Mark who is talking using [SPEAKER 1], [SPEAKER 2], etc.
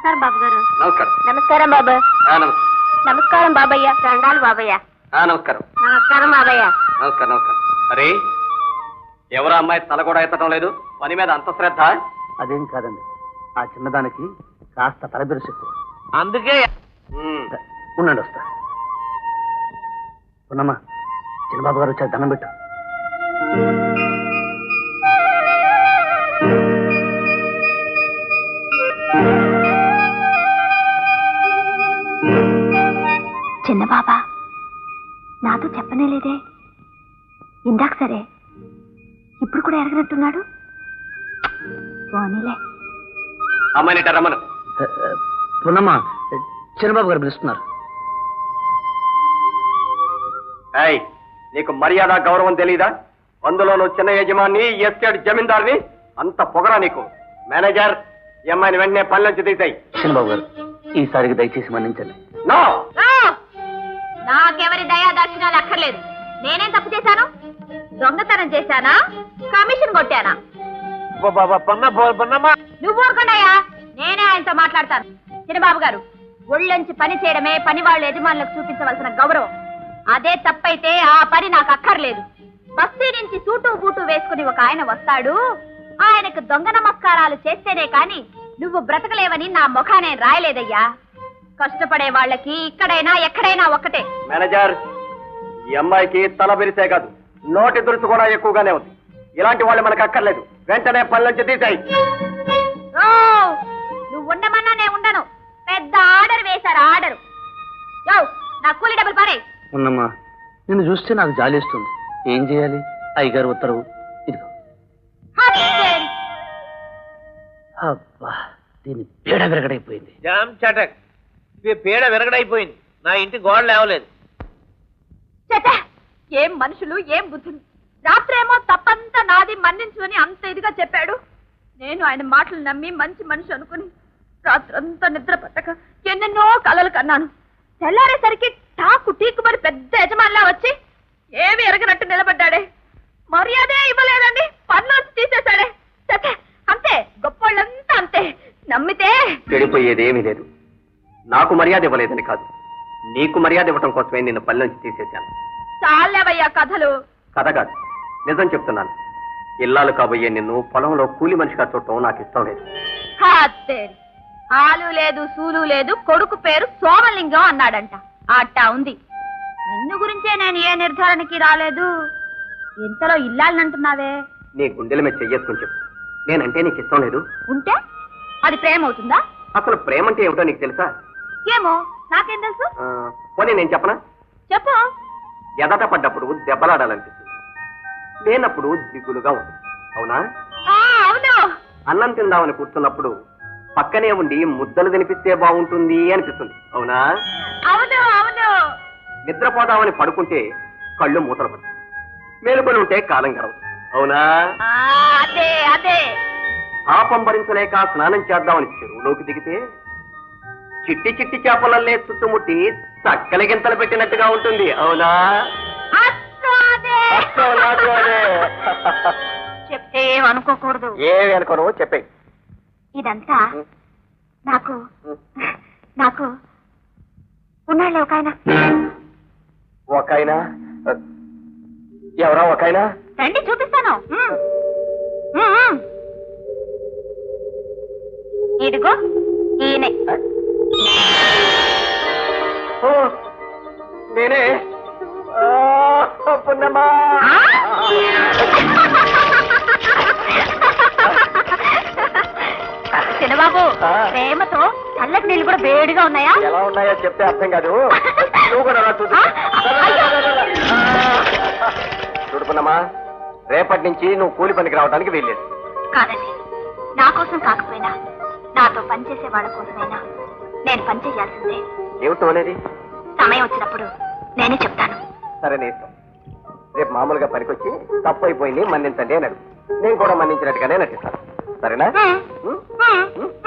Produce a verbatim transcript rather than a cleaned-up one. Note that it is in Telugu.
[SPEAKER 1] నమస్కారం బాబు గారు.
[SPEAKER 2] నమస్కారం.
[SPEAKER 1] నమస్కారం బాబు. నమస్కారం బాబయ్య. రండాలు బాబయ్య.
[SPEAKER 2] నమస్కారం.
[SPEAKER 1] నమస్కారం బాబయ్య.
[SPEAKER 2] నమస్కారం నమస్కారం. అరే ఎవరో అమ్మాయి తల కూడా ఎత్తడం లేదు, పని మీద అంత శ్రద్ధ?
[SPEAKER 3] అదేం కాదండి, ఆ చిన్నదానికి కాస్త తలబిరుసు ఎక్కువ,
[SPEAKER 2] అందుకే.
[SPEAKER 3] ఉండండి వస్తా. ఉన్నమ్మా, చిన్నబాబు గారు వచ్చారు, దండం పెట్టు.
[SPEAKER 1] చిన్న బాబా నాతో చెప్పనే లేదే. ఇందాక సరే, ఇప్పుడు కూడా ఎరగనట్టున్నాడు. పోనీలే.
[SPEAKER 2] అమ్మాయిని రమ్మను.
[SPEAKER 3] పున్నమ్మ, చిన్నబాబు గారు పిలుస్తున్నారు.
[SPEAKER 2] ఏయ్, నీకు మర్యాద గౌరవం తెలీదా? అందులో నువ్వు చిన్న యజమాని, ఎస్టేట్ జమీందార్ని, అంత పొగరా నీకు? మేనేజర్, ఈ అమ్మాయిని వెంటనే పని నుంచి తీసాయి.
[SPEAKER 3] చిన్నబాబు గారు, ఈసారికి దయచేసి మన్నించండి.
[SPEAKER 2] నో,
[SPEAKER 1] నాకెవరి దయా దక్షిణాలు అక్కర్లేదు. నేనేం తప్పు చేశాను? దొంగతనం చేశానా? కమిషన్ కొట్టానా? నువ్వు ఊరుకున్నాయా? నేనే ఆయనతో మాట్లాడతాను. చిన్నబాబు గారు, ఒళ్ళొంచి పని చేయడమే పని వాళ్ళ యజమానులకు చూపించవలసిన గౌరవం. అదే తప్పైతే ఆ పని నాకు అక్కర్లేదు. బస్తీ నుంచి సూటు బూటు వేసుకుని ఒక ఆయన వస్తాడు, ఆయనకు దొంగ నమస్కారాలు చేస్తేనే కాని నువ్వు బ్రతకలేవని నా ముఖానే రాయలేదయ్యా. కష్టపడే వాళ్ళకి ఇక్కడైనా ఎక్కడైనా ఒక్కటే.
[SPEAKER 2] మేనేజర్, ఈ అమ్మాయికి తల బెరిసే కాదు, నోటి దురుసు కూడా ఎక్కువగానే ఉంది. ఇలాంటి వాళ్ళు మనకు అక్కర్లేదు. వెంటనే పని నుంచి తీసాయి.
[SPEAKER 1] నువ్వు ఉండమన్నా నేను ఉండను. పెద్ద ఆర్డర్ వేశారు, ఆర్డర్. యో, నా కూలి డబ్బులు పారే.
[SPEAKER 3] ఉన్నమ్మా, నిన్ను చూస్తే నాకు జాలేస్తుంది. ఏం చేయాలి? అయ్యగారు ఉత్తర్వు ఇదిగో. అబ్బా, దీని పీడ విరగడైపోయింది.
[SPEAKER 4] జామ్ చటక్, పీడ విరగడైపోయింది. నా ఇంటి గోడ లేవలేదు.
[SPEAKER 1] ఏం మనుషులు, ఏం బుద్ధులు. రాత్రేమో తప్పంతా నాది, మన్నించుని అంత ఇదిగా చెప్పాడు. నేను ఆయన మాటలు నమ్మి మంచి మనిషి అనుకుని రాత్రంతా నిద్ర పట్టక ఎన్నెన్నో కలలు కన్నాను. తెల్లారేసరికి టాకు టీకుమని పెద్ద యజమానిలా వచ్చి ఏమి ఎరగనట్టు నిలబడ్డాడే. మర్యాదే ఇవ్వలేదండి, పన్నులు తీసేశాడే. అంతే, గొప్పోళ్ళంతా అంతే. నమ్మితే
[SPEAKER 2] చెడిపోయేదేమీ లేదు. నాకు మర్యాద ఇవ్వలేదని కాదు, నీకు మర్యాద ఇవ్వటం కోసమే నిన్ను పని నుంచి తీసేశాను.
[SPEAKER 1] చాలేవయ్యా కథలు.
[SPEAKER 2] కథ కాదు, నిజం చెప్తున్నాను. ఇల్లాలు కాబోయే నిన్ను పొలంలో కూలి మనిషిగా చూడటం నాకు ఇష్టం లేదు.
[SPEAKER 1] ఆలు లేదు, సూలు లేదు, కొడుకు పేరు సోమలింగం అన్నాడంట. అట్టా ఉంది. నిన్ను గురించే నేను ఏ నిర్ధారణకి రాలేదు. ఇంతలో ఇల్లాలనంటున్నావే.
[SPEAKER 2] నీ గుండెల మీద చెయ్యేసుకుని చెప్పు, నేనంటే నీకు ఇష్టం లేదు.
[SPEAKER 1] ఉంటే అది ప్రేమ అవుతుందా?
[SPEAKER 2] అసలు ప్రేమ అంటే ఏమిటో నీకు తెలుసా?
[SPEAKER 1] ఏమో, నాకేం తెలుసు.
[SPEAKER 2] పోనీ నేను చెప్పనా?
[SPEAKER 1] చెప్పు.
[SPEAKER 2] ఎదట పడ్డప్పుడు దెబ్బలాడాలనిపిస్తుంది, లేనప్పుడు దిగులుగా ఉంటుంది. అవునా?
[SPEAKER 1] అవును.
[SPEAKER 2] అన్నం తిందామని కూర్చున్నప్పుడు పక్కనే ఉండి ముద్దలు తినిపిస్తే బాగుంటుంది అనిపిస్తుంది. అవునా?
[SPEAKER 1] అవును అవును.
[SPEAKER 2] నిద్రపోదామని పడుకుంటే కళ్ళు మూతలు పడతాయి, మేలుకొని ఉంటే కాలం గడవదు. అవునా?
[SPEAKER 1] అదే అదే.
[SPEAKER 2] పాపం భరించలేక స్నానం చేద్దామని చెరువులోకి దిగితే చిట్టి చిట్టి చేపలల్లే చుట్టుముట్టి చక్కల గింతలు పెట్టినట్టుగా ఉంటుంది. అవునా?
[SPEAKER 1] చెప్తే ఏమనుకోకూడదు.
[SPEAKER 2] ఏమి అనుకోను, చెప్పే.
[SPEAKER 1] ఇదంతా నాకు నాకు ఉన్నాళ్ళే ఒక ఆయన.
[SPEAKER 2] ఒక ఆయన? ఎవరా ఒక ఆయన?
[SPEAKER 1] రండి చూపిస్తాను. ఇదిగో ఈయనే.
[SPEAKER 2] నేనే. పున్నమ్మా,
[SPEAKER 1] చిన్నబాబు, ప్రేమతో చల్లటి నీళ్ళు కూడా వేడిగా ఉన్నాయా?
[SPEAKER 2] ఎలా ఉన్నాయో చెప్తే అర్థం కాదు. నువ్వు కూడా చూడుకున్నామా, రేపటి నుంచి నువ్వు కూలి పనికి రావడానికి వీల్లేదు.
[SPEAKER 1] కాదండి, నా కోసం కాకపోయినా నాతో పనిచేసే వాళ్ళ కోసమైనా నేను పనిచేయాల్సిందే.
[SPEAKER 2] ఏమిటో అనేది
[SPEAKER 1] సమయం వచ్చినప్పుడు నేనే చెప్తాను.
[SPEAKER 2] సరే, నీ ఇష్టం. రేపు మామూలుగా పనికొచ్చి తప్పు అయిపోయింది మన్నించండి అని అడుగు. నేను కూడా మన్నించినట్టుగానే నటిస్తాను. సరేనా?